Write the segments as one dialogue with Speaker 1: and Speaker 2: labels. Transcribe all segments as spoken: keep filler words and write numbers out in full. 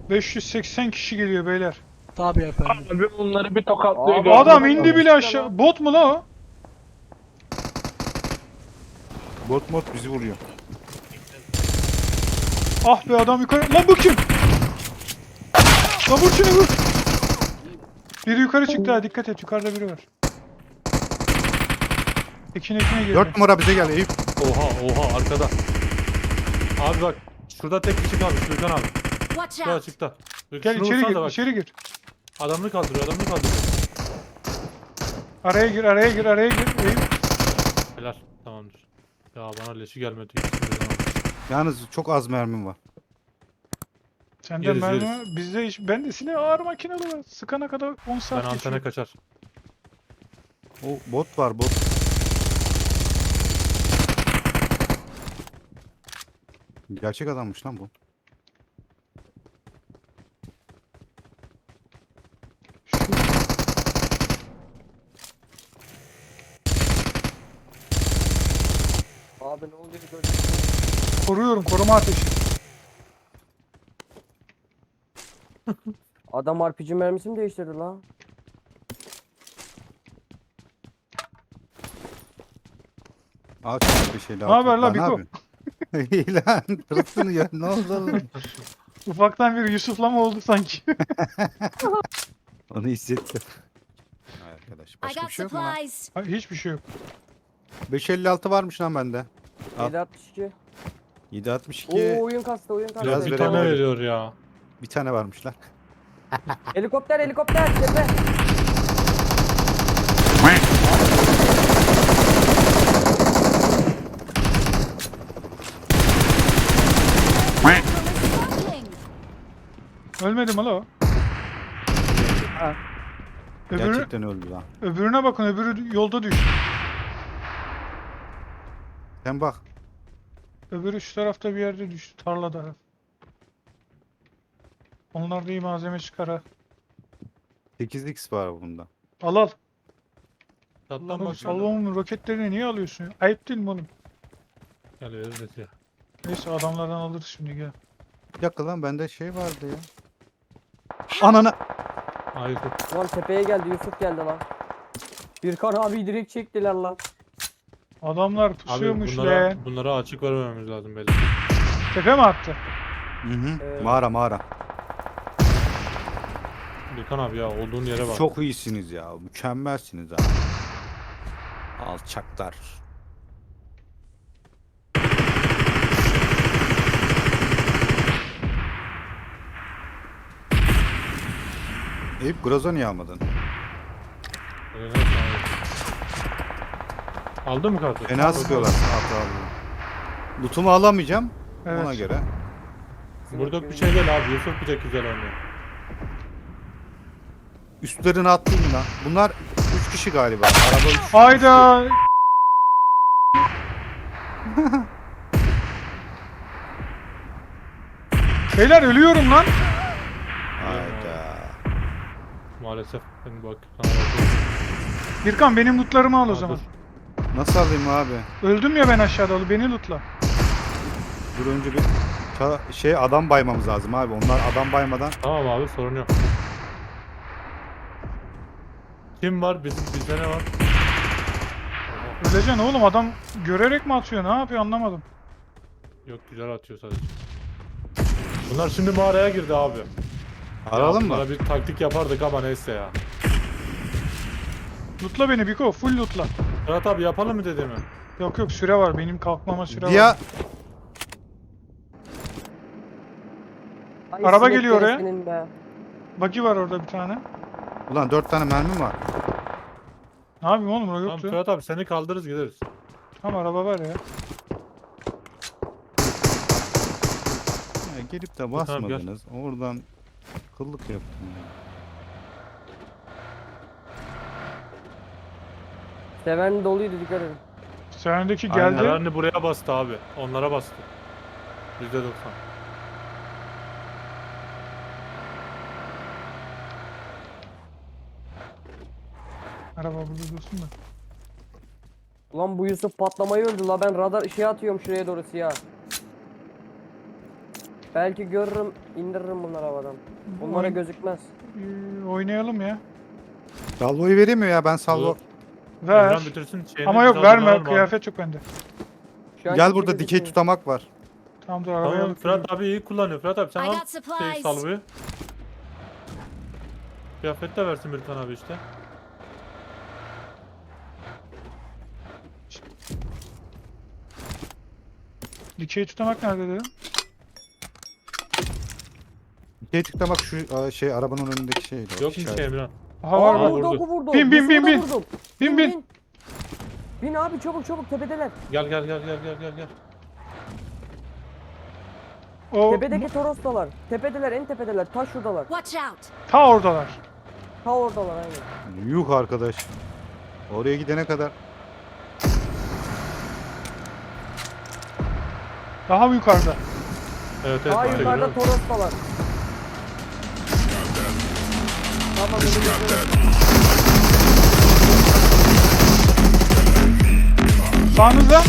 Speaker 1: beş yüz seksen kişi geliyor beyler.
Speaker 2: Tabii efendim.
Speaker 3: Abi onları bir tokatlıyor.
Speaker 4: Abi,
Speaker 3: gördün
Speaker 1: Adam
Speaker 3: mü?
Speaker 1: indi bile aşağı. Bot mu la o?
Speaker 5: Bot mod bizi vuruyor.
Speaker 1: Ah be adam yukarı. Lan bu kim? Lan vur şunu vur. Biri yukarı çıktı ha, dikkat et, yukarıda biri var. Ekin ekine girdi.
Speaker 5: Dört numara bize gel Eyüp.
Speaker 6: Oha oha arkada. Abi bak şurada tek kişi kalmış Gürkan abi.
Speaker 7: Watch
Speaker 6: Şu
Speaker 7: out!
Speaker 6: açıkta.
Speaker 1: Gel
Speaker 6: Şunu
Speaker 1: içeri
Speaker 6: vursana
Speaker 1: gir,
Speaker 6: da bak.
Speaker 1: içeri gir.
Speaker 6: Adamını kaldırıyor adamını kaldırıyor.
Speaker 1: Araya gir, araya gir, araya gir. Eyüp.
Speaker 6: Helal tamamdır. Ya bana leşi gelmedi. İkisini birden aldım.
Speaker 5: Yalnız çok az mermim var.
Speaker 1: Sende
Speaker 6: Yeriz,
Speaker 1: mermi
Speaker 6: yeriz.
Speaker 1: var. Bizde hiç, ben de silah ağır makinalı var. Sıkana kadar on
Speaker 6: Ben
Speaker 1: saat
Speaker 6: antene
Speaker 1: geçiyor.
Speaker 6: kaçar.
Speaker 5: O bot var bot. Gerçek adammış lan bu.
Speaker 4: Abi ne oluyor gördün?
Speaker 1: Koruyorum, koruma ateşi.
Speaker 4: Adam R P G mermisi mi değiştirdi lan?
Speaker 5: Aa çok bir şey daha.
Speaker 1: Ne haber la
Speaker 5: Ne
Speaker 1: Biko?
Speaker 5: yapıyorsun? İyi lan. Kırıksın ya. Ne oldu oğlum?
Speaker 1: Ufaktan bir Yusuf'lama oldu sanki.
Speaker 5: Onu hissettim. Hay arkadaş.
Speaker 7: I
Speaker 5: Başka
Speaker 7: got
Speaker 5: bir şey yok mu lan?
Speaker 7: supplies.
Speaker 1: Hayır, hiçbir şey yok.
Speaker 5: beş elli altı varmış lan bende. Al.
Speaker 4: yedi altmış iki.
Speaker 5: yedi altmış iki.
Speaker 4: Oo oyun kastı oyun kastı.
Speaker 5: Biraz
Speaker 6: bir
Speaker 5: verelim.
Speaker 6: tane veriyor ya.
Speaker 5: Bir tane varmış lan.
Speaker 4: Helikopter helikopter tepe.
Speaker 7: Smoking!
Speaker 1: Ölmedi mi la o? Öbürü,
Speaker 5: Gerçekten öldü lan.
Speaker 1: öbürüne bakın, öbürü yolda düştü.
Speaker 5: Sen bak.
Speaker 1: Öbürü şu tarafta bir yerde düştü, tarlada. Onlar da iyi malzeme çıkar ha.
Speaker 5: sekiz x var bunda.
Speaker 1: Al al.
Speaker 6: Tatlan
Speaker 1: Oğlum,
Speaker 6: bak.
Speaker 1: Salonun roketlerini niye alıyorsun ya? Ayıp değil mi oğlum?
Speaker 6: Gel veririz ya.
Speaker 1: Neyse adamlardan alırız şimdi, gel.
Speaker 5: Bir dakika lan bende şey vardı ya. Ananı.
Speaker 6: Hayır.
Speaker 4: Lan tepeye geldi Yusuf geldi lan. Birkan abi direkt çektiler lan.
Speaker 1: Adamlar
Speaker 6: Abi
Speaker 1: pusuyormuş
Speaker 6: bunlara,
Speaker 1: lan.
Speaker 6: bunlara açık vermememiz lazım belli.
Speaker 1: Tepe mi attı?
Speaker 5: Hı hı.
Speaker 4: Ee,
Speaker 5: Mağara mağara.
Speaker 6: Gürkan abi ya olduğun yere bak.
Speaker 5: Çok iyisiniz ya. Mükemmelsiniz abi. Alçaklar. Eyüp Groza niye almadın?
Speaker 6: Öyle neyse abi. Aldın mı kartı?
Speaker 5: Fena sıkıyorlar. Hatta abi. Lootumu alamayacağım.
Speaker 1: Evet.
Speaker 5: Ona göre.
Speaker 6: Burada bir şey değil abi. Yusuf bir tek güzel oynuyor.
Speaker 5: Üstlerine atlayayım lan. Bunlar üç kişi galiba. Araba üç.
Speaker 1: Hayda. Beyler ölüyorum lan.
Speaker 5: Hayda.
Speaker 6: Maalesef. Ben bak. Sana bakıyorum.
Speaker 1: Birkan benim lootlarımı al o
Speaker 6: Aa,
Speaker 1: zaman.
Speaker 6: dur.
Speaker 5: Nasıl alayım abi?
Speaker 1: Öldüm ya ben aşağıda, al beni lootla.
Speaker 5: Dur önce bir ta- şey adam baymamız lazım abi. Onlar adam baymadan.
Speaker 6: Tamam abi sorun yok. Kim var? Bizim bizde ne var? Oha,
Speaker 1: Öleceksin oğlum, adam görerek mi atıyor, ne yapıyor anlamadım.
Speaker 6: yok güzel atıyor sadece. Bunlar şimdi mağaraya girdi abi.
Speaker 5: Aralım
Speaker 6: Ya
Speaker 5: mı?
Speaker 6: bunlara bir taktik yapardık ama neyse ya.
Speaker 1: Lootla beni Biko, full lootla.
Speaker 6: Fırat abi yapalım mı dediğimi?
Speaker 1: Yok yok, süre var, benim kalkmama süre var.
Speaker 5: Ya
Speaker 4: Ay,
Speaker 1: Araba
Speaker 4: sinek
Speaker 1: geliyor oraya.
Speaker 4: senin be.
Speaker 1: Buggy var orada bir tane.
Speaker 5: ulan dört tane mermim var.
Speaker 1: Ne yapayım oğlum, o
Speaker 6: Tamam
Speaker 1: yoktu.
Speaker 6: Fırat abi seni kaldırırız gideriz.
Speaker 1: Tamam, araba var ya.
Speaker 5: Ya gelip de
Speaker 6: Tamam,
Speaker 5: basmadınız. Oradan kıllık yaptım ya.
Speaker 4: Seven doluydu dikkat edin.
Speaker 1: Sendeki
Speaker 5: Aynen.
Speaker 1: geldi.
Speaker 6: Herhalde buraya bastı abi. Onlara bastı. yüzde doksan.
Speaker 1: Araba burada dursun da.
Speaker 4: Ulan bu Yusuf patlamayı öldü la, ben radar ışığı atıyorum şuraya doğru siyah. Belki görürüm, indiririm bunları havadan. Bunlara
Speaker 1: Oyun-
Speaker 4: gözükmez.
Speaker 1: Ee, oynayalım ya.
Speaker 5: Salvo'yu veremiyor ya, ben salvo.
Speaker 6: Olur.
Speaker 1: Ver.
Speaker 6: Emran bitirsin şeyini.
Speaker 1: Ama yok
Speaker 6: biz
Speaker 1: verme.
Speaker 6: hazırlanalım abi.
Speaker 1: Kıyafet yok bende.
Speaker 4: Şu an
Speaker 5: Gel
Speaker 4: kimse
Speaker 5: burada dikey
Speaker 4: gözükmüyor.
Speaker 5: tutamak var.
Speaker 1: Tamam dur arabaya
Speaker 6: Tamam
Speaker 1: alıp
Speaker 6: Fırat
Speaker 1: geliyorum.
Speaker 6: abi iyi kullanıyor. Fırat abi sen
Speaker 2: I
Speaker 6: al
Speaker 2: got
Speaker 6: şey
Speaker 2: supplies.
Speaker 6: salvoyu. Kıyafet de versin bir tane abi işte.
Speaker 1: Dikey tutamak nerede dedim?
Speaker 5: Dikey tutamak şu aa, şey arabanın önündeki şey.
Speaker 6: Yok mu şey Emran?
Speaker 1: Aha var
Speaker 4: Aa,
Speaker 1: var.
Speaker 4: vurdu,
Speaker 6: vurdu.
Speaker 4: oku vurdu.
Speaker 1: Bin, bin, bin,
Speaker 4: Yusuf'u da
Speaker 1: bin.
Speaker 4: vurdum.
Speaker 1: Bin bin.
Speaker 4: Bin abi çabuk çabuk tepedeler.
Speaker 6: Gel gel gel gel gel gel gel.
Speaker 1: O
Speaker 4: Tepedeki Toros'talar. Tepedeler, en tepedeler. Taş şuradalar.
Speaker 2: Watch out.
Speaker 1: ta oradalar.
Speaker 4: Ta oradalar aynen.
Speaker 5: Yuh arkadaş. Oraya gidene kadar.
Speaker 1: Daha yukarıda.
Speaker 6: Evet evet.
Speaker 4: Daha
Speaker 6: ben de
Speaker 4: yukarıda
Speaker 6: görüyorum.
Speaker 4: Toros'talar. Tamam önümüzde.
Speaker 1: Sağınızda.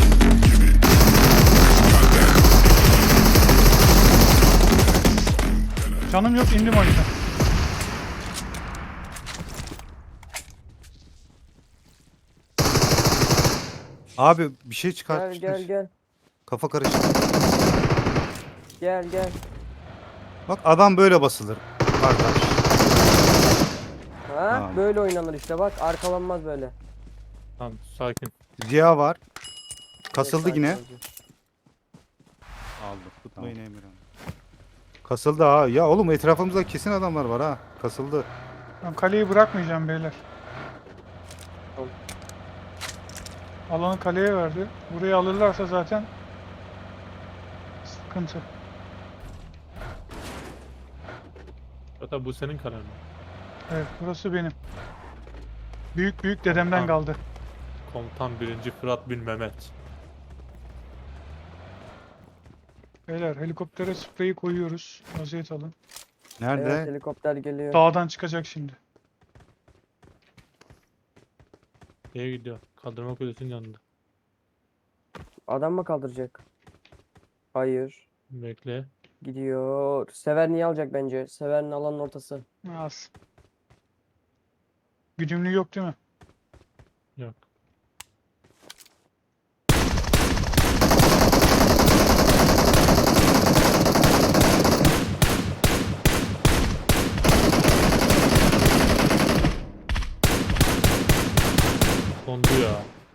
Speaker 1: Canım yok indim o yüzden.
Speaker 5: Abi bir şey
Speaker 4: Gel
Speaker 5: çıkartmışlar.
Speaker 4: gel gel.
Speaker 5: Kafa karıştı.
Speaker 4: Gel gel.
Speaker 5: Bak adam böyle basılır. Kardeş.
Speaker 4: Ha
Speaker 5: Tamam.
Speaker 4: böyle oynanır işte bak arkalanmaz böyle.
Speaker 6: Tamam sakin.
Speaker 5: Ziya var. Kasıldı
Speaker 4: Evet,
Speaker 5: yine.
Speaker 4: sakin olacak.
Speaker 5: Aldık. Tutmayın Emirhan. Kasıldı ha. Ya oğlum etrafımızda kesin adamlar var ha. Kasıldı.
Speaker 1: Ben kaleyi bırakmayacağım beyler.
Speaker 4: Tamam.
Speaker 1: Alanı kaleye verdi. Burayı alırlarsa zaten sıkıntı.
Speaker 6: Fırat abi bu senin kararın.
Speaker 1: Evet burası benim. Büyük büyük dedemden
Speaker 6: Tamam.
Speaker 1: kaldı.
Speaker 6: Komutan birinci Fırat bin Mehmet.
Speaker 1: Beyler helikoptere spreyi koyuyoruz. Vaziyet alın.
Speaker 5: Nerede?
Speaker 4: Evet helikopter geliyor.
Speaker 1: Dağdan çıkacak şimdi.
Speaker 6: Neye gidiyor? Kaldırma kulesinin yanında.
Speaker 4: Adam mı kaldıracak? Hayır.
Speaker 6: Bekle.
Speaker 4: Gidiyor. Sever niye alacak bence? Sever'in alanın ortası.
Speaker 1: Az. Güdümlü yok değil mi?
Speaker 6: Yok. Kondu ya.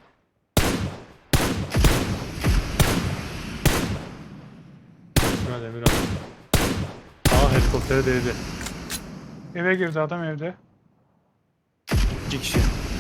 Speaker 6: Hadi Emirhan. Aa helikoptere değdi.
Speaker 1: Eve girdi adam evde.
Speaker 5: İki kişi.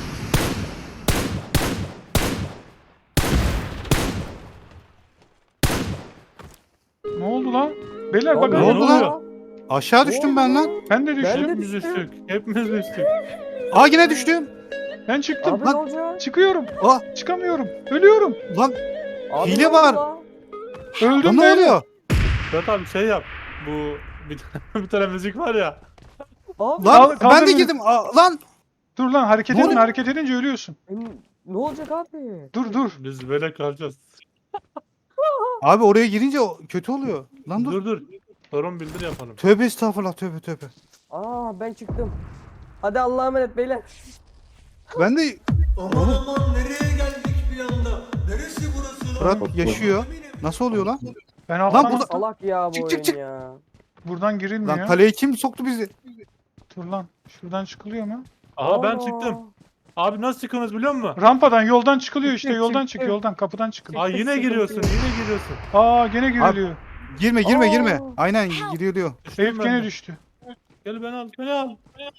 Speaker 1: Ne oldu lan? Beyler
Speaker 4: Ne
Speaker 1: bakın.
Speaker 5: Ne oldu
Speaker 6: Ne
Speaker 5: lan?
Speaker 6: oluyor?
Speaker 5: Aşağı düştüm ben lan.
Speaker 1: Ben de düştüm.
Speaker 4: Ben de
Speaker 6: Hepimiz düştük. Hepimiz düştük.
Speaker 5: Aa yine düştüm.
Speaker 1: Ben çıktım.
Speaker 4: Abi
Speaker 5: Lan-
Speaker 4: ne olacak?
Speaker 1: Çıkıyorum.
Speaker 5: Aa
Speaker 1: Çıkamıyorum. Ölüyorum.
Speaker 5: lan
Speaker 4: Abi
Speaker 5: Hile
Speaker 4: ne oldu
Speaker 5: var.
Speaker 4: lan?
Speaker 1: Öldüm
Speaker 5: lan ne
Speaker 1: beyler.
Speaker 5: oluyor?
Speaker 6: Fırat abi şey yap. Bu bir tane, bir tane müzik var ya.
Speaker 4: Abi
Speaker 5: Lan
Speaker 1: Kaldır- kaldır
Speaker 5: ben de
Speaker 1: beni.
Speaker 5: girdim. Aa, lan
Speaker 1: Dur lan hareket
Speaker 5: Ne
Speaker 1: edin.
Speaker 5: oluyor?
Speaker 1: Hareket edince ölüyorsun.
Speaker 4: em- ne olacak abi?
Speaker 1: Dur dur.
Speaker 6: Biz böyle kalacağız.
Speaker 5: abi oraya girince o- kötü oluyor. Lan dur.
Speaker 6: Dur dur. Sorun bildir yapalım.
Speaker 5: Tövbe estağfurullah, tövbe tövbe.
Speaker 4: Aa ben çıktım. Hadi Allah'a emanet beyler.
Speaker 5: Ben de
Speaker 3: Aman aman nereye geldik bir anda? Neresi burası lan?
Speaker 5: Fırat yaşıyor. Nasıl oluyor lan?
Speaker 1: Ben
Speaker 5: Lan
Speaker 1: alttan
Speaker 5: burada-
Speaker 4: Salak ya bu
Speaker 5: Çık,
Speaker 4: oyun
Speaker 5: çık, çık.
Speaker 4: ya.
Speaker 1: buradan girilmiyor.
Speaker 5: Lan kaleye kim soktu bizi?
Speaker 1: Dur lan. Şuradan çıkılıyor mu?
Speaker 6: Aha ben
Speaker 4: Aa.
Speaker 6: çıktım. Abi nasıl çıkıyorsunuz biliyor musun?
Speaker 1: Rampadan yoldan çıkılıyor işte.
Speaker 4: Çık,
Speaker 1: Yoldan
Speaker 4: çık,
Speaker 1: çık.
Speaker 4: çık.
Speaker 1: Yoldan kapıdan çıkın.
Speaker 6: Aa yine giriyorsun, yine giriyorsun.
Speaker 1: Aa gene giriliyor.
Speaker 5: Girme girme
Speaker 4: Aa.
Speaker 5: girme. Aynen giriyor diyor.
Speaker 6: Düştüm
Speaker 1: Eyüp
Speaker 6: ben
Speaker 1: gene
Speaker 6: de.
Speaker 1: düştü.
Speaker 6: Gel beni al, beni al.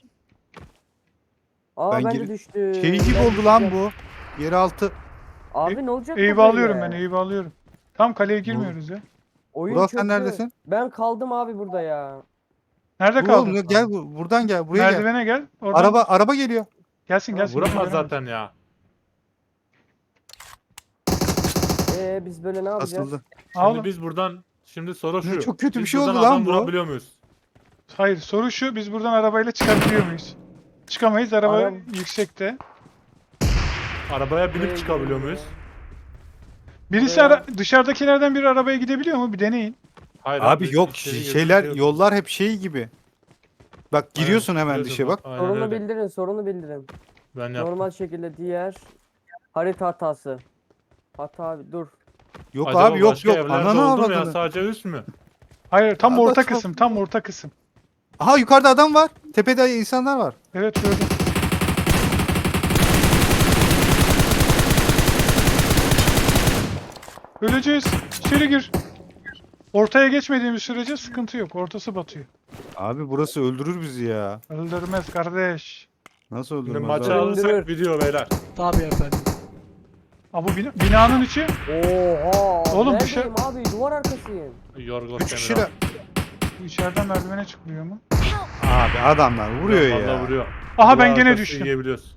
Speaker 4: Aa
Speaker 5: Ben
Speaker 4: ben,
Speaker 5: gir-
Speaker 4: de düştüm.
Speaker 5: Şey gibi
Speaker 4: Ben
Speaker 5: oldu lan
Speaker 4: düşeceğim.
Speaker 5: bu. Yeraltı.
Speaker 4: Abi ne olacak bu
Speaker 1: Eyüp'ü
Speaker 4: böyle?
Speaker 1: alıyorum ben. Eyüp'ü alıyorum. Tam kaleye girmiyoruz ya.
Speaker 4: Oyun
Speaker 5: Burak sen
Speaker 4: kötü.
Speaker 5: neredesin?
Speaker 4: Ben kaldım abi burada ya.
Speaker 1: Nerede
Speaker 5: Dur
Speaker 1: kaldın?
Speaker 5: oğlum, gel bu- buradan gel, buraya gel.
Speaker 1: Merdivene gel. Oradan
Speaker 5: Araba araba geliyor.
Speaker 1: gelsin gelsin.
Speaker 6: Vuramaz
Speaker 1: Gelemez.
Speaker 6: zaten ya.
Speaker 4: Ee biz böyle ne yapacağız?
Speaker 5: Asıldı.
Speaker 1: Aa,
Speaker 6: Şimdi
Speaker 1: oğlum.
Speaker 6: biz buradan, şimdi soru şu.
Speaker 5: Çok kötü bir
Speaker 6: Biz
Speaker 5: şey oldu
Speaker 6: buradan
Speaker 5: lan
Speaker 6: adam
Speaker 5: bu.
Speaker 6: vurabiliyor muyuz?
Speaker 1: Hayır soru şu. Biz buradan arabayla çıkabiliyor muyuz? Çıkamayız. Araba
Speaker 4: Araba-
Speaker 1: yüksekte.
Speaker 6: Arabaya binip
Speaker 4: Ee,
Speaker 6: çıkabiliyor muyuz?
Speaker 1: Birisi
Speaker 4: Buraya-
Speaker 1: ara- dışarıdakilerden biri arabaya gidebiliyor mu? Bir deneyin.
Speaker 6: Hayır
Speaker 5: Abi yok
Speaker 6: içeri girdi,
Speaker 5: şeyler
Speaker 6: şey yok.
Speaker 5: yollar hep şey gibi. Bak giriyorsun hemen
Speaker 6: Biliyorsun,
Speaker 5: dışa bak.
Speaker 6: Aynen
Speaker 4: Sorunu
Speaker 6: öyle.
Speaker 4: bildirin, sorunu bildirin.
Speaker 6: Ben yaptım.
Speaker 4: Normal şekilde diğer harita hatası. Hata dur.
Speaker 5: Yok
Speaker 6: Acaba
Speaker 5: abi yok
Speaker 6: başka
Speaker 5: yok.
Speaker 6: evlerde
Speaker 5: Ananı
Speaker 6: oldu mu ya,
Speaker 5: avradını.
Speaker 6: sadece üst mü?
Speaker 1: Hayır tam
Speaker 5: Abi
Speaker 1: orta
Speaker 5: çok-
Speaker 1: kısım. Tam orta kısım.
Speaker 5: Aha yukarıda adam var. Tepede insanlar var.
Speaker 1: Evet gördüm. Öleceğiz. İçeri gir. Ortaya geçmediğimiz sürece sıkıntı yok. Ortası batıyor.
Speaker 5: Abi burası öldürür bizi ya.
Speaker 1: Öldürmez kardeş.
Speaker 5: Nasıl
Speaker 6: Şimdi
Speaker 5: öldürmez
Speaker 6: maçı
Speaker 5: abi?
Speaker 6: alırsak
Speaker 4: Öldürür.
Speaker 6: video beyler.
Speaker 1: Aa, bu bina- binanın içi.
Speaker 4: Oha.
Speaker 1: Oğlum, bir
Speaker 4: neredeyim abi? Duvar arkasıyım.
Speaker 6: Yorgos
Speaker 5: Üç kişi de...
Speaker 1: Bu içeriden merdivene çıkmıyor mu?
Speaker 5: Abi adamlar vuruyor
Speaker 6: Vallahi
Speaker 5: ya.
Speaker 6: vuruyor.
Speaker 1: Aha ben
Speaker 6: Duvar
Speaker 1: gene
Speaker 6: arkası
Speaker 1: düştüm.
Speaker 6: yiyebiliyoruz.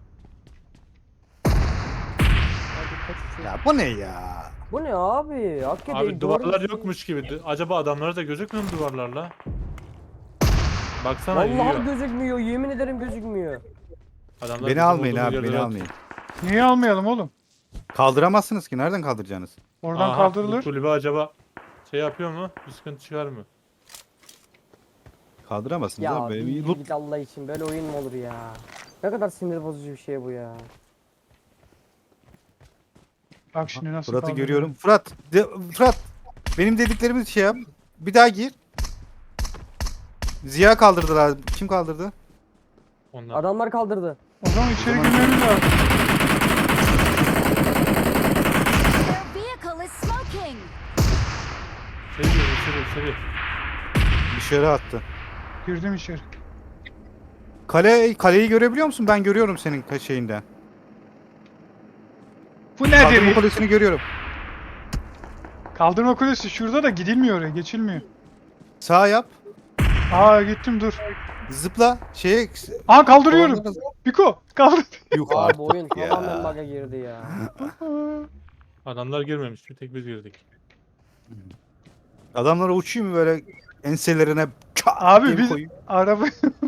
Speaker 4: Hadi kaç uçuyor.
Speaker 5: Ya bu ne ya?
Speaker 4: Bu ne abi? Hakikaten
Speaker 6: Abi duvarlar yokmuş gibi. Acaba adamlara da gözükmüyor mu duvarlarla? Baksana
Speaker 4: Vallahi
Speaker 6: yiyor.
Speaker 4: gözükmüyor. Yemin ederim gözükmüyor.
Speaker 6: Adamlar
Speaker 5: Beni
Speaker 6: bizim
Speaker 5: almayın
Speaker 6: olduğumuz
Speaker 5: abi
Speaker 6: yerde
Speaker 5: beni
Speaker 6: rahat.
Speaker 5: almayın.
Speaker 1: Niye almayalım oğlum?
Speaker 5: Kaldıramazsınız ki nereden kaldıracaksınız?
Speaker 1: Oradan
Speaker 6: Aha,
Speaker 1: kaldırılır.
Speaker 6: Bu kulübe acaba şey yapıyor mu? Bir sıkıntı çıkar mı?
Speaker 5: Kaldıramazsınız
Speaker 4: Ya
Speaker 5: abi. Benim
Speaker 4: bir
Speaker 5: loot-
Speaker 4: git Allah için böyle oyun mu olur ya? Ne kadar sinir bozucu bir şey bu ya.
Speaker 1: Bak şimdi nasıl
Speaker 5: Fırat'ı
Speaker 1: kaldırılır.
Speaker 5: görüyorum. Fırat, de, Fırat. Benim dediklerimi şey yap. Bir daha gir. Ziya kaldırdılar. Kim kaldırdı?
Speaker 6: Onlar.
Speaker 4: Adamlar kaldırdı.
Speaker 1: O zaman içeri
Speaker 5: zaman-
Speaker 1: girmemiz lazım.
Speaker 2: Their vehicle is smoking.
Speaker 6: Şey diyor, içeri içeri.
Speaker 5: Dışarı attı.
Speaker 1: Girdim içeri.
Speaker 5: Kale, kaleyi görebiliyor musun? Ben görüyorum senin ka- şeyinden.
Speaker 1: Bu
Speaker 5: Kaldırma
Speaker 1: nedir?
Speaker 5: kulesini görüyorum.
Speaker 1: Kaldırma kulesi şurada da gidilmiyor oraya. Geçilmiyor.
Speaker 5: Sağ yap.
Speaker 1: Aa gittim dur.
Speaker 5: Zıpla. Şeye...
Speaker 1: Aa kaldırıyorum. Biko kaldır.
Speaker 5: Yuh
Speaker 4: Abi
Speaker 5: artık
Speaker 4: oyun tamamen
Speaker 5: ya.
Speaker 4: bug'a girdi ya.
Speaker 6: Adamlar girmemiş. Bir tek biz girdik.
Speaker 5: Adamlara uçayım mı böyle enselerine çat
Speaker 1: Abi
Speaker 5: diye bir
Speaker 1: biz
Speaker 5: koyayım?
Speaker 1: araba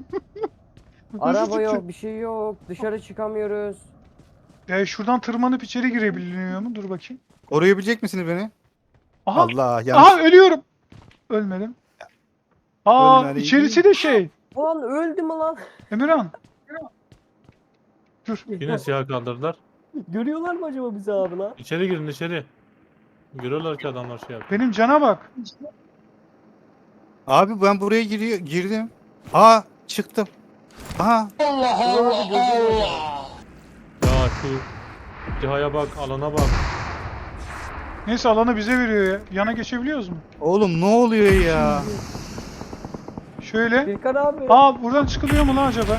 Speaker 4: Araba yok, bir şey yok. Dışarı çıkamıyoruz.
Speaker 1: e, şuradan tırmanıp içeri girebiliyor mu? Dur bakayım.
Speaker 5: Koruyabilecek misiniz beni?
Speaker 1: Aha.
Speaker 5: Allah yanlış.
Speaker 1: Aha ölüyorum. Ölmedim. Aa
Speaker 5: Ölmedi.
Speaker 1: içerisi de şey.
Speaker 4: Ulan öldü mü lan?
Speaker 1: Emirhan. Dur.
Speaker 6: Yine siyah kaldırdılar.
Speaker 4: Görüyorlar mı acaba bizi abi lan?
Speaker 6: İçeri girin içeri. Görüyorlar ki adamlar şey yapıyor.
Speaker 1: Benim cana bak.
Speaker 5: Abi ben buraya giriyor, girdim. Aa çıktım. Aha
Speaker 4: Allah Allah.
Speaker 6: Ya şu cihaya bak, alana bak.
Speaker 1: Neyse alanı bize veriyor ya. Yana geçebiliyoruz mu?
Speaker 5: oğlum ne oluyor ya?
Speaker 1: Şöyle.
Speaker 4: Birkan abi.
Speaker 1: Aa buradan çıkılıyor mu lan acaba?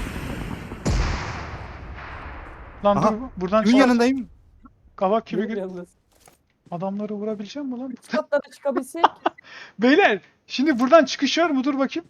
Speaker 1: Lan
Speaker 5: Aha,
Speaker 1: dur buradan
Speaker 5: Kimin
Speaker 1: çık.
Speaker 5: yanındayım?
Speaker 1: Kavak gibi
Speaker 4: Benim
Speaker 1: gir.
Speaker 4: yalnız.
Speaker 1: Adamları vurabileceğim mi lan?
Speaker 4: Üst katlara çıkabilsek.
Speaker 1: Beyler şimdi buradan çıkış var mı? Dur bakayım.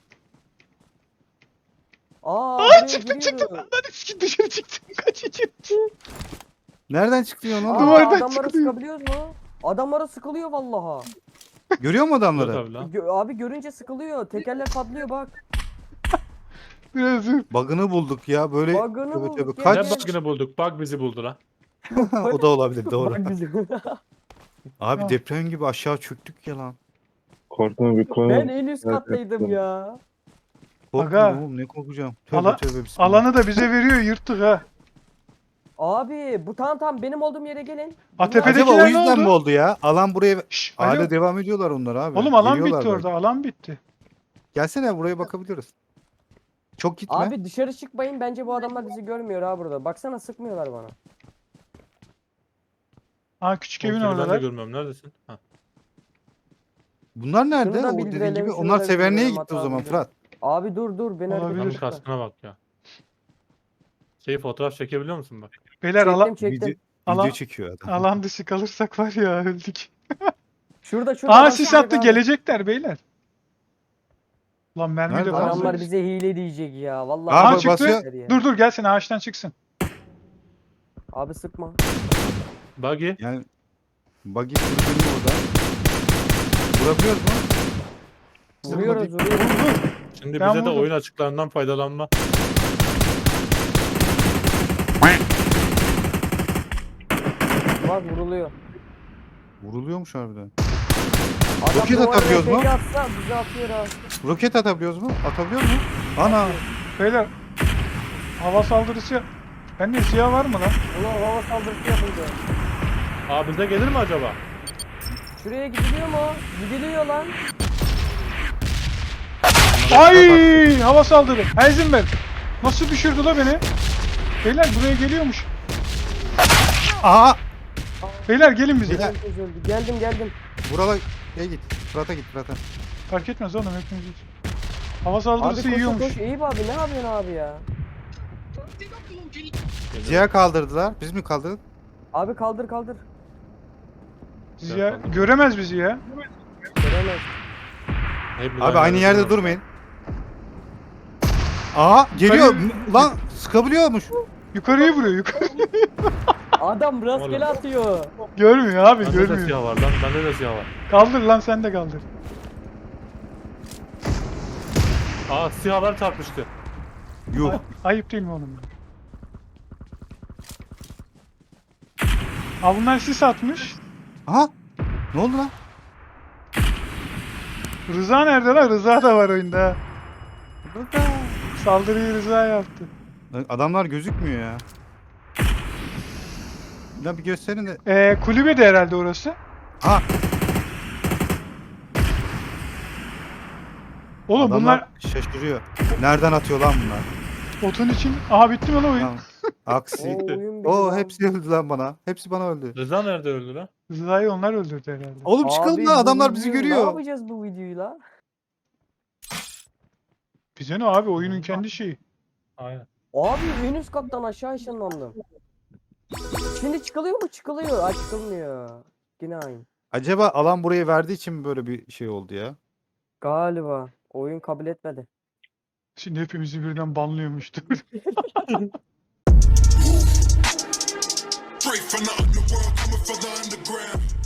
Speaker 4: Aa,
Speaker 1: Aa
Speaker 4: buraya
Speaker 1: çıktım
Speaker 4: giriyoruz.
Speaker 1: çıktım. Lan eski dışarı çıktım. Kaç içeri.
Speaker 5: Nereden çıktın
Speaker 4: Aa,
Speaker 5: oğlum?
Speaker 1: Duvardan
Speaker 4: adamlara
Speaker 1: çıkılıyor.
Speaker 4: sıkabiliyoruz mu? Adamlara sıkılıyor vallaha.
Speaker 5: Görüyor mu
Speaker 6: Yok
Speaker 5: adamları?
Speaker 6: tabii lan.
Speaker 4: Gö- abi görünce sıkılıyor. Tekerler patlıyor bak.
Speaker 1: Biraz dur.
Speaker 5: Bug'ını bulduk ya böyle.
Speaker 4: Bug'ını
Speaker 5: Tövbe
Speaker 4: bulduk
Speaker 5: tövbe.
Speaker 4: ya.
Speaker 6: Ne
Speaker 5: Kaç?
Speaker 6: bug'ını bulduk? Bug bizi buldu lan.
Speaker 5: O da olabilir doğru.
Speaker 4: Bak bizi.
Speaker 5: Abi
Speaker 1: Ha.
Speaker 5: deprem gibi aşağı çöktük ya lan.
Speaker 7: Korkma bir konu.
Speaker 4: Ben en üst
Speaker 7: Evet,
Speaker 4: kattaydım
Speaker 7: evet.
Speaker 4: ya.
Speaker 5: Korkma
Speaker 1: Aga.
Speaker 5: oğlum ne korkacağım. Tövbe
Speaker 1: Ala-
Speaker 5: tövbe bismillah.
Speaker 1: Alanı da bize veriyor yırttık ha.
Speaker 4: Abi bu tamam tamam benim olduğum yere gelin.
Speaker 1: Ha,
Speaker 4: Bunlar-
Speaker 1: tepede-
Speaker 5: Acaba o
Speaker 1: Tepedekiler ne
Speaker 5: yüzden
Speaker 1: oldu?
Speaker 5: mi oldu ya? Alan buraya
Speaker 1: Şş, alo.
Speaker 5: hala devam ediyorlar onlar abi.
Speaker 1: Oğlum alan
Speaker 5: Geliyorlar
Speaker 1: bitti
Speaker 5: belki.
Speaker 1: orada. Alan bitti.
Speaker 5: Gelsene buraya bakabiliriz. Çok gitme.
Speaker 4: Abi dışarı çıkmayın, bence bu adamlar bizi görmüyor ha burada. Baksana sıkmıyorlar bana.
Speaker 1: Ha küçük
Speaker 6: Oğlum
Speaker 1: evin
Speaker 6: seni ben de
Speaker 1: oradalar.
Speaker 6: görmüyorum. Neredesin? Ha.
Speaker 5: Bunlar nerede?
Speaker 4: Şunu da
Speaker 5: O dediğin
Speaker 4: bildirelim,
Speaker 5: gibi
Speaker 4: şunu
Speaker 5: onlar
Speaker 4: da
Speaker 5: Severne'ye
Speaker 4: bildirelim,
Speaker 5: gitti o
Speaker 4: hata
Speaker 5: zaman
Speaker 4: bildirelim.
Speaker 5: Fırat.
Speaker 4: Abi dur dur beni
Speaker 1: Olabilir.
Speaker 6: Adamın
Speaker 4: hareket etme.
Speaker 6: kaskına bak ya. Şey fotoğraf çekebiliyor musun bak?
Speaker 1: Beyler
Speaker 4: Çektim
Speaker 1: alan,
Speaker 4: çektim.
Speaker 5: Video,
Speaker 1: Alan-
Speaker 5: video çekiyor adam.
Speaker 1: alan dışı kalırsak var ya öldük.
Speaker 4: Şurada şurada.
Speaker 1: Aa
Speaker 4: bak,
Speaker 1: sis
Speaker 4: şurada
Speaker 1: attı
Speaker 4: abi.
Speaker 1: gelecekler beyler. Lan mermi
Speaker 5: Nerede
Speaker 1: de
Speaker 5: lan?
Speaker 1: fazla.
Speaker 4: Adamlar bize hile diyecek ya. Vallahi.
Speaker 5: Abi
Speaker 1: Aa
Speaker 4: bize
Speaker 1: çıktı.
Speaker 5: basıyor.
Speaker 4: diyecekler ya.
Speaker 1: Dur dur gelsin ağaçtan çıksın.
Speaker 4: Abi sıkma.
Speaker 6: Buggy.
Speaker 5: Yani buggy kulübünün orada. Vurabiliyor mu?
Speaker 4: Vuruyoruz vuruyoruz.
Speaker 6: Şimdi
Speaker 1: Ben
Speaker 6: bize de
Speaker 1: vurdum.
Speaker 6: oyun açıklarından faydalanma.
Speaker 4: Bak vuruluyor.
Speaker 5: Vuruluyormuş harbiden.
Speaker 4: Adam
Speaker 5: Roket
Speaker 4: duvara
Speaker 5: atabiliyoruz mu?
Speaker 4: R P G atsa bizi atıyor ha.
Speaker 5: Roket atabiliyoruz mu? Atabiliyor mu? Ana.
Speaker 1: Beyler hava saldırısı yap. Bende siyah var mı lan?
Speaker 4: Ulan hava saldırısı yapıldı.
Speaker 6: Abi bize gelir mi acaba?
Speaker 4: Şuraya gidiliyor mu? Gidiliyor lan.
Speaker 1: Ay hava saldırı. Heisenberg. Nasıl düşürdü la beni? Beyler buraya geliyormuş.
Speaker 5: Aha.
Speaker 1: Beyler gelin bize.
Speaker 5: Beyler.
Speaker 4: Herkes öldü. Geldim geldim.
Speaker 5: Buralar gel git. Fırat'a git Fırat'a.
Speaker 1: Fark etmez oğlum hepimiz. Hava
Speaker 4: Abi
Speaker 1: saldırısı
Speaker 4: koş
Speaker 1: yiyormuş.
Speaker 4: koş. Eyüp abi ne yapıyorsun abi ya?
Speaker 5: Ziya kaldırdılar. Biz mi kaldırdık?
Speaker 4: Abi kaldır kaldır.
Speaker 1: Ziya göremez bizi ya.
Speaker 4: Göremez.
Speaker 6: Hepimiz
Speaker 5: Abi aynı yerde
Speaker 6: duruyoruz.
Speaker 5: durmayın. Aa geliyor.
Speaker 1: Hayır.
Speaker 5: Lan sıkabiliyormuş.
Speaker 1: Yukarıyı vuruyor yukarı.
Speaker 4: Adam rastgele
Speaker 6: Oğlum.
Speaker 4: atıyor.
Speaker 1: Görmüyor abi
Speaker 6: Bende de
Speaker 1: görmüyor.
Speaker 6: siyah var lan. Bende de siyah var.
Speaker 1: Kaldır lan sen de kaldır.
Speaker 6: Aa siyahlar çarpıştı.
Speaker 5: Yuh.
Speaker 1: Ay- ayıp değil mi oğlum? Aa bunlar sis atmış.
Speaker 5: Aha. Ne oldu lan?
Speaker 1: Rıza nerede lan? Rıza da var oyunda. ha. Saldırıyı Rıza yaptı.
Speaker 5: Lan adamlar gözükmüyor ya. Ya bir gösterin de.
Speaker 1: Ee, kulübe de herhalde orası.
Speaker 5: Ha.
Speaker 1: Oğlum
Speaker 5: Adamlar
Speaker 1: bunlar
Speaker 5: şaşırıyor. Nereden atıyor lan bunlar?
Speaker 1: otun için... Aha bitti mi lan oyun?
Speaker 5: Tamam. Aksi.
Speaker 4: Oo, oyun bitti
Speaker 5: Oo
Speaker 4: lan.
Speaker 5: hepsi öldü lan bana. Hepsi bana öldü.
Speaker 6: Rıza nerede öldü lan?
Speaker 1: Rıza'yı onlar öldürdü herhalde.
Speaker 5: Oğlum çıkalım
Speaker 4: Abi
Speaker 5: lan
Speaker 4: bu
Speaker 5: adamlar bizi
Speaker 4: videoyu Ne
Speaker 5: görüyor.
Speaker 4: yapacağız bu videoyu la?
Speaker 1: Bize ne abi oyunun kendi şeyi.
Speaker 6: Aynen.
Speaker 4: Abi en üst kattan aşağı ışınlandım. Şimdi çıkılıyor mu? Çıkılıyor. Aa çıkılmıyor. Yine aynı.
Speaker 5: Acaba alan burayı verdiği için mi böyle bir şey oldu ya?
Speaker 4: Galiba. Oyun kabul etmedi.
Speaker 1: Şimdi hepimizi birden banlıyormuştur.
Speaker 8: Straight from the underworld, coming for the underground.